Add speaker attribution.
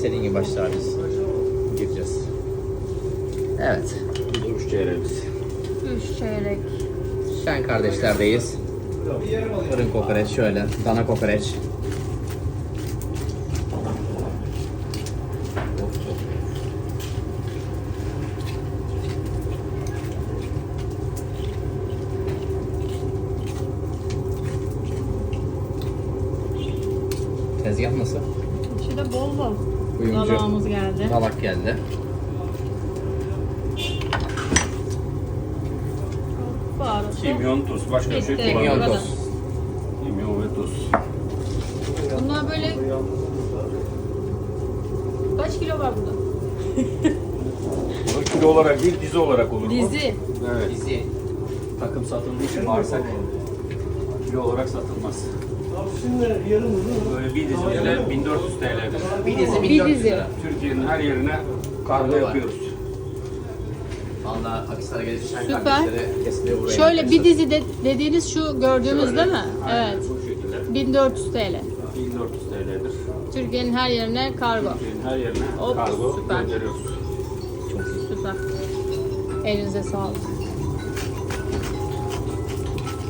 Speaker 1: İstediğin gibi başla biz. Gireceğiz. Evet. Bu da 3 çeyreğimiz.
Speaker 2: 3 çeyrek.
Speaker 1: Şen kardeşlerdeyiz. Fırın kokoreç şöyle. Dana kokoreç. Tezgah nasıl?
Speaker 2: İçinde bol bol.
Speaker 1: Uyumcu.
Speaker 2: Dalağımız geldi.
Speaker 1: Dalak geldi.
Speaker 2: Baharatı.
Speaker 3: Kimyon, tuz. Başka bir şey
Speaker 2: Bitti.
Speaker 1: Kimyon
Speaker 3: kullanmıyoruz.
Speaker 1: toz.
Speaker 3: Kimyon ve tuz.
Speaker 2: Bunlar böyle... Kaç kilo var burada?
Speaker 3: Bu kilo olarak değil, dizi olarak olur bu.
Speaker 2: Dizi.
Speaker 3: Evet.
Speaker 1: Bizi takım satıldığı için bağırsak.
Speaker 3: Kilo olarak satılmaz. Böyle bir dizi bile 1400 TL'dir.
Speaker 1: Bir dizi
Speaker 2: Bir
Speaker 1: 1400
Speaker 2: dizi.
Speaker 1: lira.
Speaker 3: Türkiye'nin her yerine
Speaker 1: Kargo
Speaker 3: kargo
Speaker 1: var.
Speaker 3: yapıyoruz.
Speaker 1: Valla Akhisar'a gelip Şen
Speaker 2: Süper.
Speaker 1: kardeşleri kesinlikle buraya
Speaker 2: Şöyle bir
Speaker 1: gelirsiniz.
Speaker 2: dizi dediğiniz şu gördüğümüz değil mi?
Speaker 3: Aynen
Speaker 2: Evet.
Speaker 3: bu şekilde.
Speaker 2: 1400 TL.
Speaker 3: 1400 TL'dir.
Speaker 2: Türkiye'nin her yerine kargo.
Speaker 3: Türkiye'nin her yerine
Speaker 2: Hop,
Speaker 3: kargo
Speaker 2: süper.
Speaker 3: gönderiyoruz.
Speaker 2: Süper. Elinize sağlık.